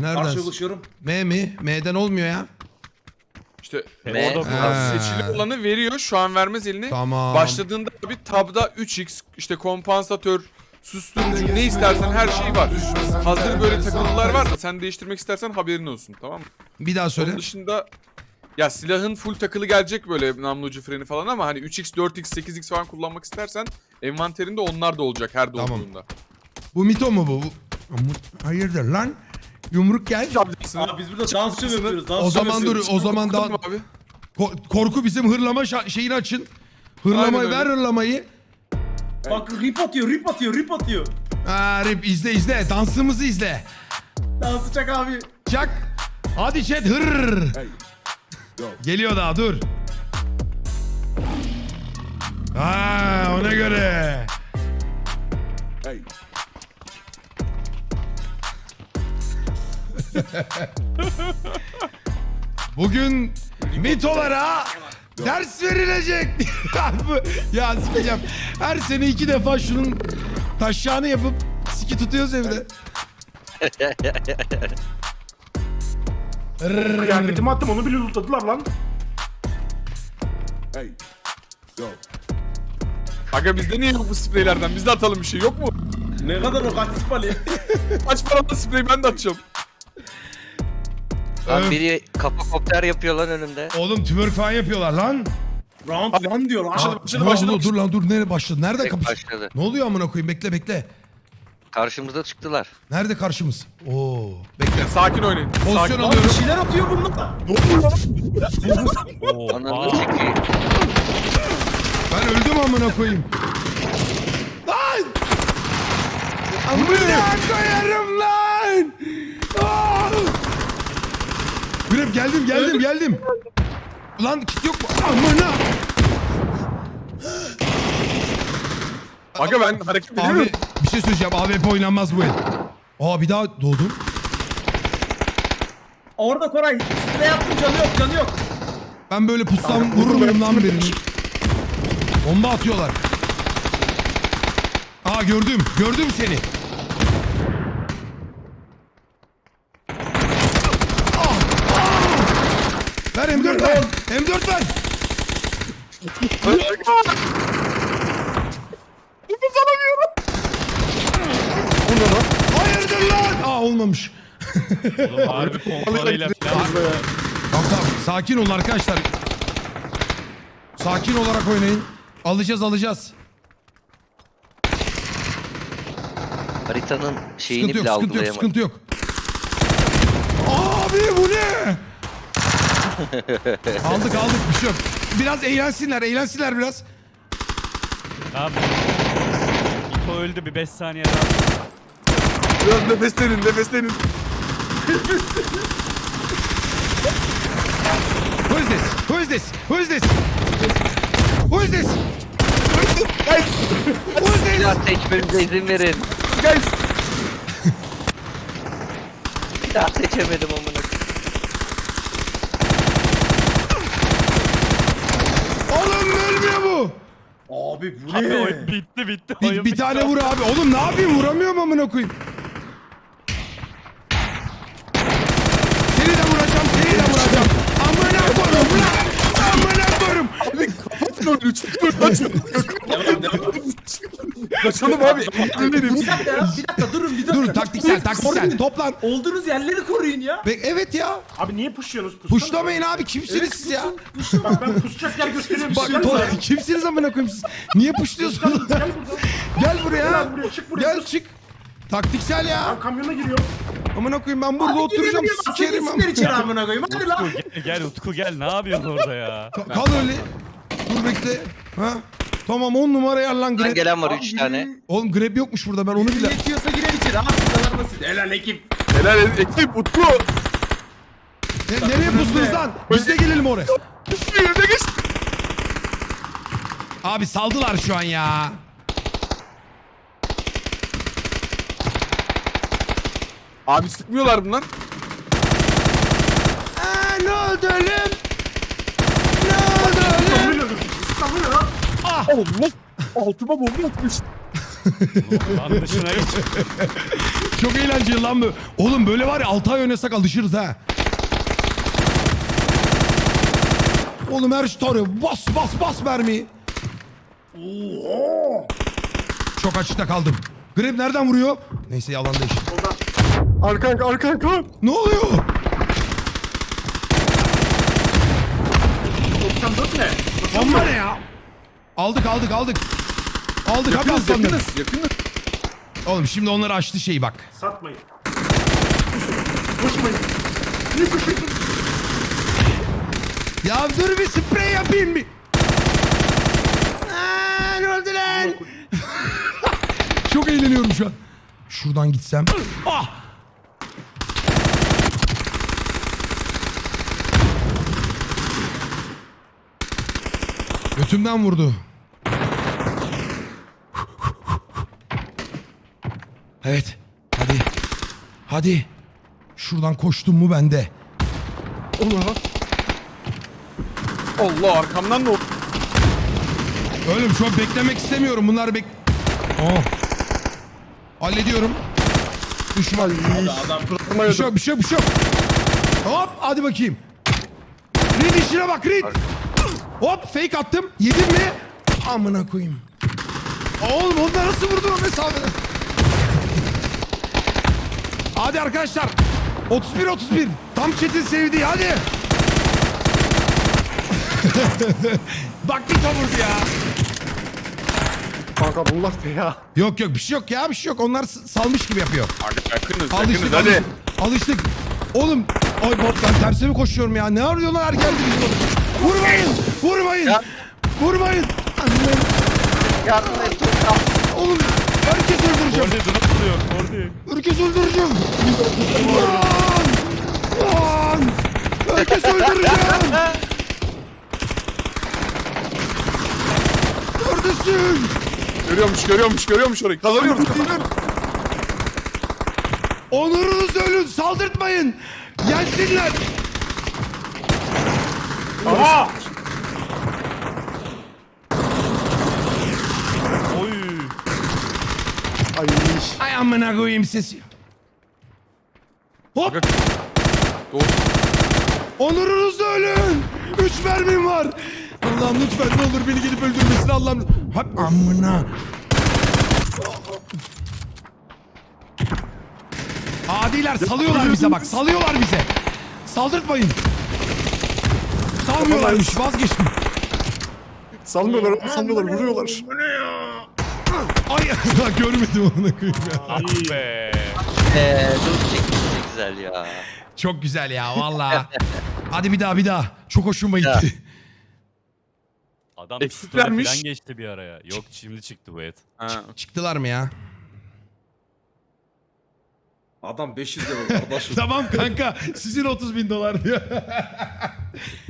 Nereden? Karşılaşıyorum. M mi? M'den olmuyor ya. İşte Ne? orada seçili olanı veriyor. Şu an vermez eline. Tamam. Başladığında bir tabda 3x, işte kompansatör, susturucu ne istersen her şey var. Hazır böyle takılılar var da sen değiştirmek istersen haberin olsun, tamam mı? Bir daha söyle. Onun dışında ya silahın full takılı gelecek böyle namlu ucu freni falan ama hani 3x, 4x, 8x falan kullanmak istersen envanterinde onlar da olacak her Tamam. dolduğunda. Bu mito mu bu? Hayırdır lan? Yumruk gel. Abi biz burada dans mı yapıyoruz? Dans O zaman dur, yapıyoruz. o zaman daha... Abi. Korku bizim hırlama şeyini açın. Hırlamayı Aynen ver öyle. hırlamayı. Bak rip atıyor, rip atıyor, rip atıyor. Ha, Rip izle. Dansımızı izle. Dansı çak abi. Çak. Hadi chat hır. Geliyor daha dur. Ha, ona göre. Bugün mitolara ders verilecek. Ya sikeceğim. Her sene 2 defa şunun taşağını yapıp siki tutuyoruz evde. Kıyafetimi attım onu bile lootladılar lan. Aga bizde niye yok bu spreylerden? Biz de atalım bir şey, yok mu? Ne kadar o kaç spali. Kaç paralı sprey ben de atacağım. Lan biri kapakopter yapıyor lan önümde. Oğlum twerk falan yapıyorlar lan. Round one diyor lan. Dur lan dur, nereye başladı? Nerede Tek kapış? başladı. Ne oluyor amına koyayım? Bekle. Karşımıza çıktılar. Nerede karşımız? Oo. Bekle. Sakin oynayın. Pozisyon Sakin. Abi alıyorum. bir şeyler atıyor bunlar. Ananı çekeyim. Ben öldüm amına koyayım. Lan! Amına koyarım lan! Aa! Grep geldim. Lan kit yok mu? Amına! Aga ben hareket ediyorum. Abi bir şey söyleyeceğim. AWP oynanmaz bu el. Aa bir daha doğdum. Orada Koray. Ne yaptın canı yok. Ben böyle pussam vurur muyum lan birini? Bomba atıyorlar. Aa gördüm seni. Ver M4 ver. M4 ver. Nefes alamıyorum. Hayırdır lan? Aa olmamış. Oğlum harbi pompalayla falan. Tamam. Sakin olun arkadaşlar. Sakin olarak oynayın. Alacağız. Haritanın şeyini Sıkıntı bile yok, algılayamadım. sıkıntı yok. Abi bu ne? aldık bir şey yok. Biraz eğlensinler biraz. Abi. İto öldü bir 5 saniye daha. Biraz nefeslenin. Who is this? Silah seçmemize izin verin. Guys. Silah seçemedim amına. Oğlum ölmüyor bu. Abi bu Abi ne? oyun bitti. Oyun Bir bitti. tane vur abi. Oğlum ne yapayım? Vuramıyorum amına koyayım. Seni de vuracağım. Amına koyayım lan. Kaçalım abi. Bir dakika durun. Dur taktiksel. Toplan. Olduğunuz yerleri koruyun ya. Evet ya. Abi niye pushuyorsunuz? Pushsana. Puşlamayın abi. Kimsiniz siz ya? Bak ben pushacak yer gösteriyorum. Bak Gel kimsiniz amına koyayım siz? Niye puşluyorsunuz? buradan. Gel buraya. Gel buraya, çık buraya. Gel çık. Taktiksel ya. Ben kamyona giriyor. Amına koyayım ben burada oturacağım. Sikerim Sikler içeri amına. amına koyayım. Hadi lan. Gel Utku gel ne yapıyorsun orada ya? Kal öyle. Dur bekle. Ha? Tamam 10 numara yer lan Buradan grab. gelen var 3 tane. Oğlum grab yokmuş burada ben onu bile. Yetiyorsa girer içeri. Abi bu kadar basit. Helal ekip. Helal ekip Utku. Nereye pustunuz lan? Biz de gelelim oraya. Yerine geç. Abi saldılar şu an ya. Abi sıkmıyorlar bunlar. Ne oldu oğlum? Ne oldu oğlum? İstanbul lan. Allah. Altıma bomba atmış. Lan dışına yok. Çok eğlenceli lan bu. Oğlum böyle var ya 6 ay oynasak alışırız ha. Oğlum her şey tarıyor. Bas mermiyi. Çok açıkta kaldım. Grab nereden vuruyor? Neyse yalan değil. Arkan. Ne oluyor? 94 ne? Bomba ne ya? Aldık. Aldık hadi Yakınız aslanlarım. yakınız. Oğlum şimdi onları açtı şeyi bak. Satmayın. Koşmayın. Niye koşuyorsun? Ya dur bir sprey yapayım bir. Aa, ne oldu lan? Çok eğleniyorum şu an. Şuradan gitsem. Ah! Götümden vurdu. Evet. Hadi. Şuradan koştum mu bende. Allah arkamdan ne oldu? Oğlum şu an beklemek istemiyorum. Bunlar Oh. Hallediyorum. Düşman. Bir şey yok. Hop hadi bakayım. Reed işine bak Reed. Hop fake attım. Yedin mi? Amına koyayım. Oğlum onlar nasıl vurdun o mesafeden? Hadi arkadaşlar. 31. Tam chat'in sevdiği hadi. Bak bir vurdu ya. Kanka bunlar ne ya? Yok bir şey yok. Onlar salmış gibi yapıyor. Hadi yakınız Alıştık hadi. Alıştık. Oğlum ay bak ben terse mi koşuyorum ya? Ne arıyorlar erken bir Vurmayın. Ya. Vurmayın. Anne. Yardım et. Oğlum herkes öldüreceğim. Kordi durup duruyor. Kordi. Herkes öldüreceğim. Lan. Herkes öldüreceğim. Neredesin? Görüyormuş orayı. Kazanıyoruz. Onurunuz ölün. Saldırtmayın. Yensinler. Aa! Oy. Ay amına koyayım sesi. Hop. Doğru. Onurunuzla ölün. 3 mermim var. Allah'ım lütfen ne olur beni gelip öldürmesin Allah'ım. Hop amına. Adiler salıyorlar bize bak. Salıyorlar bize. Saldırtmayın. Salmıyorlarmış vazgeçtim. Salmıyorlar, vuruyorlar. Ay görmedim onu koyayım ya. Ah be. Dur çekti ne güzel ya. Çok güzel ya valla. Hadi bir daha. Çok hoşuma gitti. Adam Eksik story vermiş. falan geçti bir araya. Yok şimdi çıktı bu et. Ha. Çıktılar mı ya? Adam 500 lira kardeşim. Tamam kanka sizin 30.000 dolar diyor.